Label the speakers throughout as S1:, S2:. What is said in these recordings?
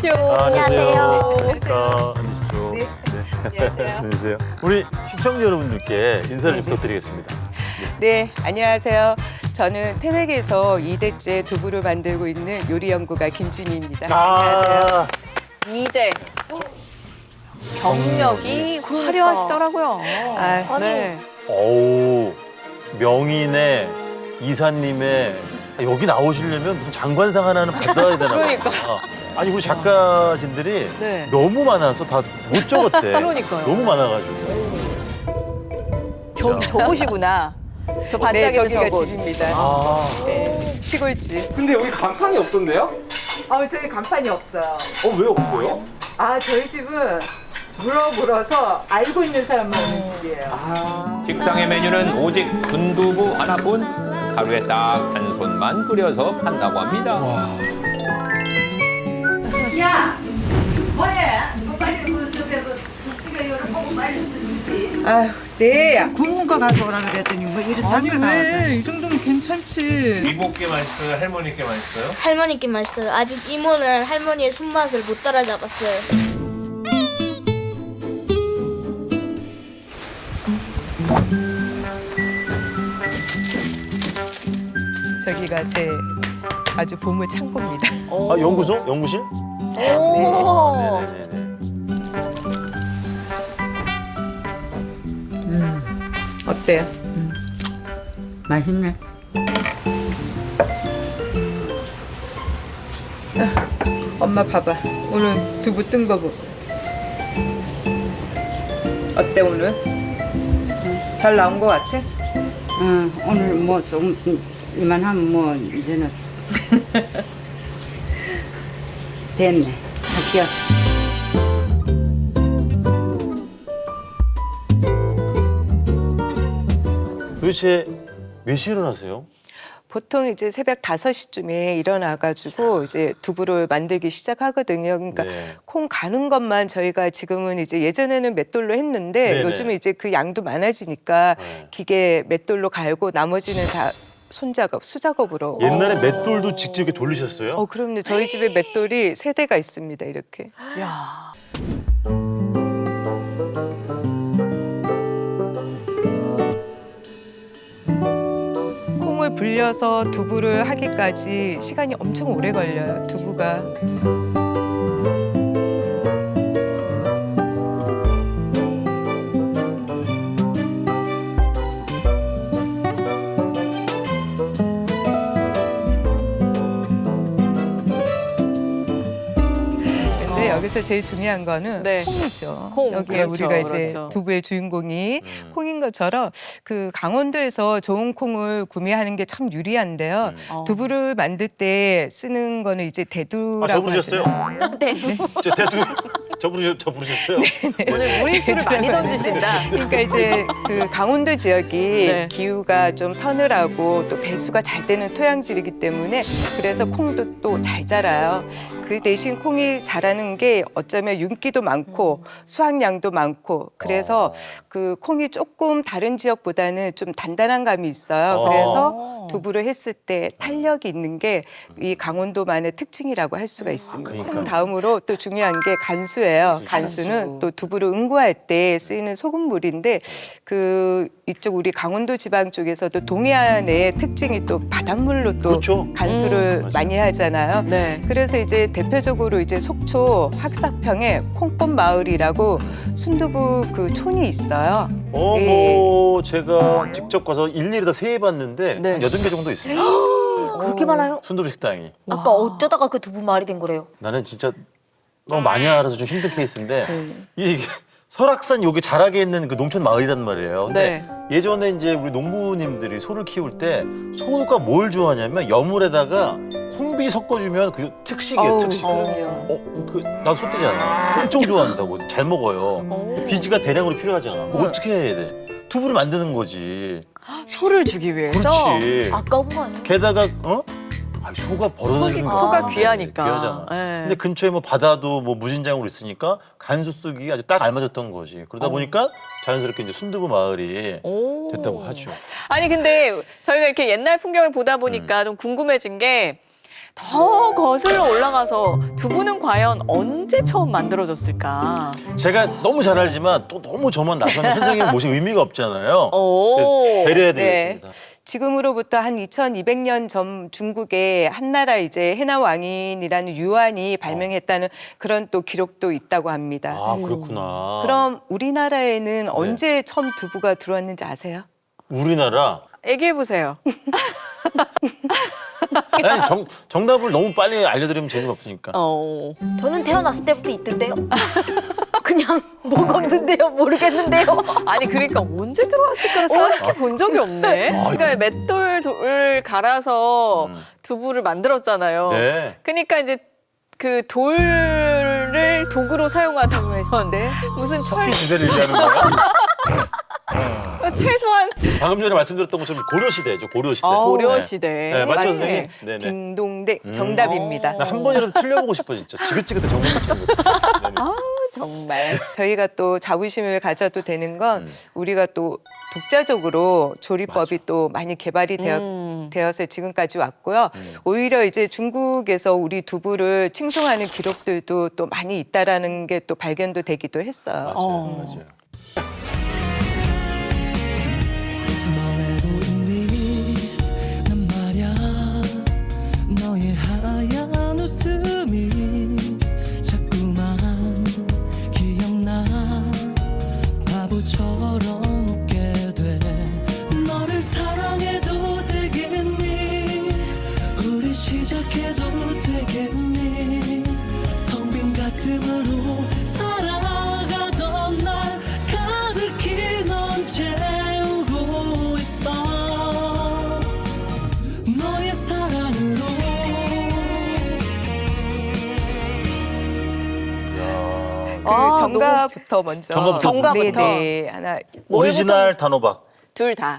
S1: 오십시오.
S2: 안녕하세요.
S1: 안녕하십니까. 앉으십시오.
S3: 네.
S1: 안녕하세요. 안녕하세요. 우리 시청자 여러분들께 인사를 좀 부탁드리겠습니다.
S3: 네, 안녕하세요. 저는 태백에서 2대째 두부를 만들고 있는 요리 연구가 김진희입니다. 안녕하세요.
S2: 2대. 경력이 화려하시더라고요.
S3: 아,
S2: 네.
S1: 어우, 명인의 이사님의 여기 나오시려면 무슨 장관상 하나는 받아야 되나 봐요.
S2: 그러니까.
S1: 아니 우리 작가진들이
S2: 네.
S1: 너무 많아서 다 못 적었대.
S2: 그러니까요.
S1: 너무 많아가지고.
S2: 저곳이구나. 저
S3: 네,
S2: 반짝이는
S3: 저기가
S2: 저곳.
S3: 집입니다.
S1: 아,
S3: 네, 시골집.
S4: 근데 여기 간판이 없던데요?
S3: 저희 간판이 없어요.
S4: 왜 없어요?
S3: 저희 집은 물어서 알고 있는 사람만 오는 집이에요.
S5: 식당의 메뉴는 오직 순두부 하나뿐 하루에 딱 한 손만 끓여서 판다고 합니다.
S6: 야, 뭐해? 뭐 빨리 김치가 요를 보고 빨리 주지.
S3: 아휴, 네.
S6: 굵은 거 가져오라 그랬더니 뭐 이리 작게 나왔어.
S3: 이 정도면 괜찮지.
S4: 이모께 맛있어요? 할머니께 맛있어요?
S7: 할머니께 맛있어요. 아직 이모는 할머니의 손맛을 못 따라잡았어요.
S3: 저기가 제 아주 보물 창고입니다.
S1: 아 연구소? 연구실?
S7: 오.
S1: 네네네.
S3: 어때요?
S6: 맛있네.
S3: 엄마 봐봐. 오늘 두부 뜬 거 보고. 어때 오늘? 잘 나온 거 같아?
S6: 오늘 뭐 좀 이만하면 뭐 이제는 됐네. 할게요.
S1: 도대체 몇 시에 일어나세요?
S3: 보통 이제 새벽 5시쯤에 일어나가지고 이제 두부를 만들기 시작하거든요. 그러니까
S1: 네.
S3: 콩 가는 것만 저희가 지금은 이제 예전에는 맷돌로 했는데
S1: 네네.
S3: 요즘은 이제 그 양도 많아지니까
S1: 네.
S3: 기계 맷돌로 갈고 나머지는 다 손작업, 수작업으로.
S1: 옛날에 맷돌도 직접 이렇게 돌리셨어요?
S3: 그럼요. 저희 집에 맷돌이 3대가 있습니다. 이렇게.
S2: 야.
S3: 콩을 불려서 두부를 하기까지 시간이 엄청 오래 걸려요. 두부가. 근데 여기서 제일 중요한 거는
S2: 네.
S3: 콩이죠.
S2: 콩,
S3: 여기에
S2: 그렇죠,
S3: 우리가 이제
S2: 그렇죠.
S3: 두부의 주인공이 콩인 것처럼 그 강원도에서 좋은 콩을 구매하는 게 참 유리한데요. 두부를 만들 때 쓰는 거는 이제 대두라고
S1: 저 부르셨어요?
S3: 하잖아요.
S7: 네.
S1: 저 대두 저 부르셨어요?
S2: 오늘 무리수를 많이 던지신다.
S3: 그러니까 이제 그 강원도 지역이
S2: 네.
S3: 기후가 좀 서늘하고 또 배수가 잘 되는 토양질이기 때문에 그래서 콩도 또 잘 자라요. 그 대신 콩이 자라는 게 어쩌면 윤기도 많고 수확량도 많고 그래서 그 콩이 조금 다른 지역보다는 좀 단단한 감이 있어요. 그래서 두부를 했을 때 탄력이 있는 게 이 강원도만의 특징이라고 할 수가 있습니다.
S1: 그러니까요.
S3: 콩 다음으로 또 중요한 게 간수예요. 간수는 또 두부를 응고할 때 쓰이는 소금물인데 그 이쪽 우리 강원도 지방 쪽에서도 동해안의 특징이 또 바닷물로 또
S1: 그렇죠.
S3: 간수를
S1: 맞아요.
S3: 많이 하잖아요.
S2: 네.
S3: 그래서 이제 대표적으로 이제 속초 확삭평에 콩꽃 마을이라고 순두부 그 촌이 있어요.
S1: 뭐 제가 직접 가서 일일이 다 세해봤는데
S2: 네.
S1: 한 8개 정도 있습니다.
S7: 그렇게 많아요?
S1: 순두부 식당이.
S7: 아빠 어쩌다가 그 두부 말이 된 거래요?
S1: 나는 진짜 너무 많이 알아서 좀 힘든 케이스인데 이게 설악산 여기 자락에 있는 그 농촌 마을이란 말이에요. 근데 예전에 이제 우리 농부님들이 소를 키울 때 소가 뭘 좋아하냐면 여물에다가 콩비 섞어주면 그 특식이에요, 특식. 나도 소떼잖아. 엄청 좋아한다고. 잘 먹어요. 비지가 대량으로 필요하잖아. 어떻게 해야 돼? 두부를 만드는 거지.
S2: 소를 주기 위해서.
S1: 그렇지.
S7: 아까운 거 아니에요?
S1: 게다가 소가 벌어지는
S2: 소가 귀하니까.
S1: 귀하잖아.
S2: 네.
S1: 근데 근처에 뭐 바다도 뭐 무진장으로 있으니까 간수 쓰기 아주 딱 알맞았던 거지. 그러다 보니까 자연스럽게 이제 순두부 마을이
S2: 오.
S1: 됐다고 하죠.
S2: 아니 근데 저희가 이렇게 옛날 풍경을 보다 보니까 좀 궁금해진 게 더 거슬러 올라가서 두부는 과연 언제 처음 만들어졌을까?
S1: 제가 너무 잘 알지만 또 너무 저만 나서는 선생님 모실 의미가 없잖아요.
S2: 오.
S1: 배려해드리겠습니다.
S3: 지금으로부터 한 2200년 전 중국에 한나라 이제 해나 왕인이라는 유한이 발명했다는 그런 또 기록도 있다고 합니다.
S1: 아, 그렇구나.
S3: 그럼 우리나라에는 언제 처음 두부가 들어왔는지 아세요?
S1: 우리나라
S2: 얘기해 보세요.
S1: 아니, 정답을 너무 빨리 알려드리면 재미가 없으니까.
S7: 저는 태어났을 때부터 있던데요. 그냥 먹었는데요. 모르겠는데요.
S2: 아니 그러니까 언제 들어왔을까 생각해 본 적이 없네. 그러니까 맷돌을 갈아서 두부를 만들었잖아요.
S1: 네.
S2: 그러니까 이제 그 돌을 도구로 사용하던 했는데 무슨 철
S1: 이 시대를 얘기하는 거야?
S2: 최소한
S1: 방금 전에 말씀드렸던 것처럼 고려 시대죠. 고려 시대.
S2: 고려
S1: 네.
S2: 시대.
S1: 네, 맞죠,
S3: 맞네.
S1: 선생님? 네네.
S3: 딩동댕 정답입니다.
S1: 나 한 번이라도 틀려보고 싶어 진짜. 지긋지긋해 정답 맞추는 거. 네네.
S2: 정말.
S3: 저희가 또 자부심을 가져도 되는 건 우리가 또 독자적으로 조리법이 또 많이 개발이 되어서 지금까지 왔고요. 오히려 이제 중국에서 우리 두부를 칭송하는 기록들도 또 많이 있다라는 게 또 발견도 되기도 했어요.
S1: 맞아요.
S8: 너래도 있니 난 말야 너의 하얀 웃음이 자꾸만 기억나 바보처럼 웃게 돼 너를 사랑해도 되겠니 우리 시작해도 되겠니 텅 빈 가슴으로 살아가던 날 가득히 넌 채우고 있어 너의 사랑으로
S3: 그 정답부터 먼저.
S1: 정답부터.
S3: 네네. 하나.
S1: 오리지널 단호박.
S2: 둘 다.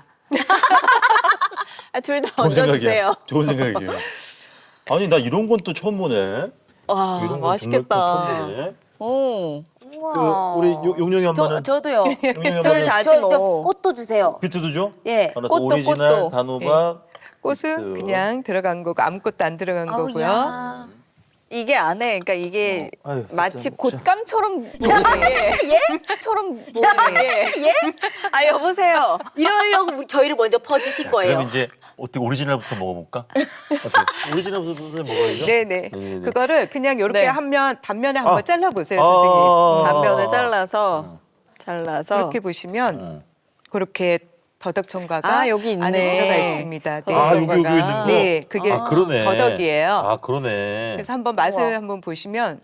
S2: 둘 다
S1: 좋은 생각이야.
S2: 얹어주세요.
S1: 좋은 생각이에요. 아니 나 이런 건 또 처음 보네.
S2: 와
S1: 이런 건
S2: 맛있겠다.
S1: 처음 보네.
S2: 오.
S1: 그 우리 용용이 엄마는
S7: 저도요.
S1: 용용이
S2: 둘
S1: 엄마는
S2: 다지
S7: 저
S2: 뭐.
S7: 꽃도 주세요.
S1: 비트도 줘?
S7: 예.
S1: 알았어.
S2: 꽃도,
S1: 오리지널
S2: 꽃도.
S1: 단호박.
S3: 꽃은
S1: 비트.
S3: 그냥 들어간 거고 아무것도 안 들어간 거고요.
S7: 아우야.
S2: 이게 안에 그러니까 이게
S1: 아유,
S2: 마치
S1: 진짜 먹자.
S2: 곶감처럼 보이는 게 처럼 보이는 게.
S7: 예?
S2: 아 여보세요.
S7: 이러려고 저희를 먼저 퍼주신 거예요.
S1: 그럼 이제 어떻게 오리지널부터 먹어볼까? 어떻게? 오리지널부터 먹어야죠?
S3: 네네.
S1: 네네네.
S3: 그거를 그냥 이렇게
S2: 네.
S3: 하면 단면에 한번
S1: 아.
S3: 잘라보세요, 선생님.
S2: 단면을 잘라서
S3: 이렇게 보시면 그렇게 더덕청과가
S2: 아, 여기 있네.
S3: 안에 들어가 있습니다. 네.
S1: 아, 여기 있는 거?
S3: 네, 그게
S1: 아, 그러네.
S3: 더덕이에요.
S1: 아, 그러네.
S3: 그래서 한번 맛을 한번 보시면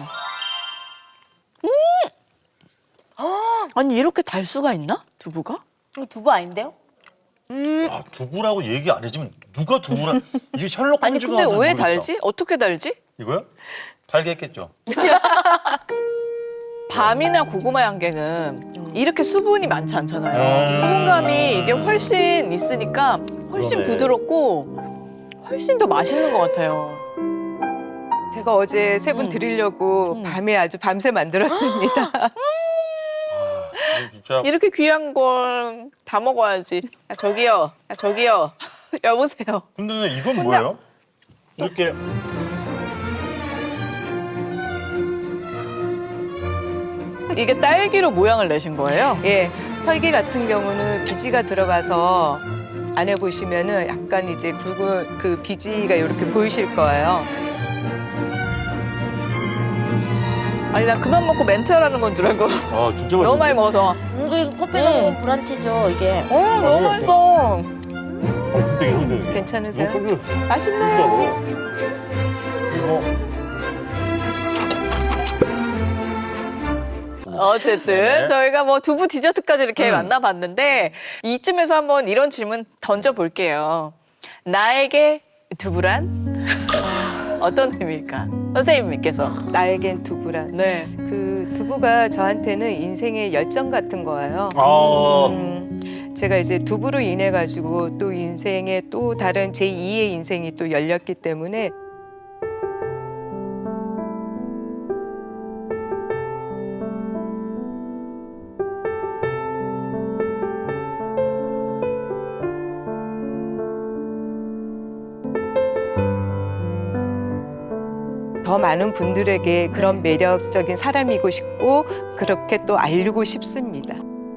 S2: 아니 이렇게 달 수가 있나? 두부가?
S7: 이거 두부 아닌데요?
S1: 아, 두부라고 얘기 안 해주면 누가 두부라? 이게 셜록
S2: 아니
S1: 홈즈가
S2: 근데
S1: 하든
S2: 왜
S1: 모르겠다.
S2: 달지? 어떻게 달지?
S1: 이거요? 달게 했겠죠.
S2: 밤이나 고구마 양갱은 이렇게 수분이 많지 않잖아요. 수분감이 이게 훨씬 있으니까 훨씬
S1: 그러네.
S2: 부드럽고 훨씬 더 맛있는 것 같아요.
S3: 제가 어제 세 분 드리려고 밤에 아주 밤새 만들었습니다.
S1: 진짜
S2: 이렇게 귀한 걸 다 먹어야지. 아, 저기요. 아, 저기요. 여보세요.
S1: 근데 이건 뭐예요? 이렇게
S2: 이게 딸기로 모양을 내신 거예요?
S3: 예, 설기 같은 경우는 비지가 들어가서 안에 보시면은 약간 이제 굵은 그 비지가 이렇게 보이실 거예요.
S2: 아니 나 그만 먹고 멘트하라는 건 줄 알고
S1: 아 진짜
S2: 너무 많이
S1: 맛있네.
S2: 먹어서.
S7: 이거 커피 넣으면 브런치죠, 이게.
S2: 너무 맛있어.
S1: 되게 힘들어.
S3: 괜찮으세요?
S2: 맛있네요.
S1: 이거
S2: 어쨌든
S1: 네.
S2: 저희가 뭐 두부 디저트까지 이렇게 만나봤는데 이쯤에서 한번 이런 질문 던져볼게요. 나에게 두부란 어떤 의미일까? 선생님께서.
S3: 나에겐 두부란.
S2: 네.
S3: 그 두부가 저한테는 인생의 열정 같은 거예요. 제가 이제 두부로 인해 가지고 또 인생의 또 다른 제2의 인생이 또 열렸기 때문에 더 많은 분들에게 그런 매력적인 사람이고 싶고 그렇게 또 알리고 싶습니다.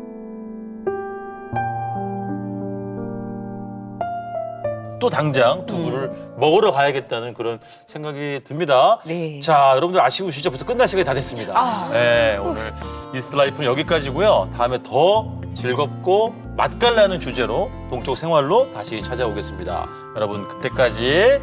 S1: 또 당장 두부를 먹으러 가야겠다는 그런 생각이 듭니다.
S3: 네.
S1: 자, 여러분들 아쉬우시죠? 벌써 끝날 시간이 다 됐습니다. 네, 오늘 이스트 라이프는 여기까지고요. 다음에 더 즐겁고 맛깔나는 주제로 동쪽 생활로 다시 찾아오겠습니다. 여러분 그때까지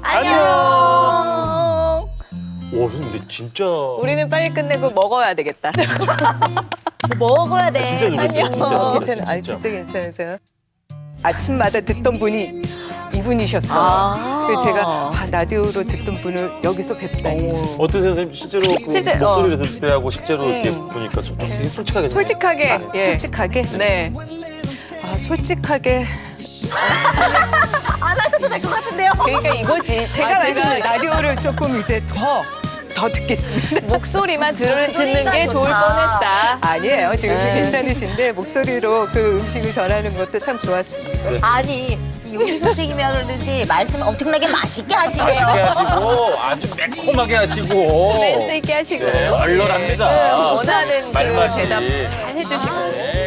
S7: 안녕.
S1: 오, 근데 진짜
S2: 우리는 빨리 끝내고 먹어야 되겠다.
S7: 먹어야 돼.
S1: 진짜 놀랐어요.
S3: 괜찮아, 아니 진짜 괜찮으세요? 아침마다 듣던 분이 이분이셨어요.
S2: 아.
S3: 그래서 제가 라디오로 듣던 분을 여기서 뵙다니.
S1: 어떠세요, 선생님? 실제로 그
S2: 실제,
S1: 목소리를 들을 때하고 실제로 이렇게 보니까 좀 솔직하게
S2: 솔직하게. 예.
S3: 솔직하게?
S2: 네.
S3: 아, 솔직하게.
S7: 안 하셔도 될 것 같은데요.
S2: 그러니까 이거지. 제가 말씀드린
S3: 라디오를 조금 이제 더 듣겠습니다.
S2: 목소리만 듣는
S7: 목소리가
S2: 게 좋을
S7: 좋다.
S2: 뻔했다.
S3: 아니에요. 지금
S2: 네.
S3: 괜찮으신데 목소리로 그 음식을 전하는 것도 참 좋았습니다.
S7: 아니 이 요리 선생님이라 그러는지 말씀 엄청나게 맛있게 하시네요.
S1: 맛있게 하시고 아주 매콤하게 하시고
S2: 센스 있게 하시고.
S1: 네, 얼얼합니다.
S2: 원하는 그
S1: 말맛이.
S2: 대답 잘 해주시고.
S1: 네.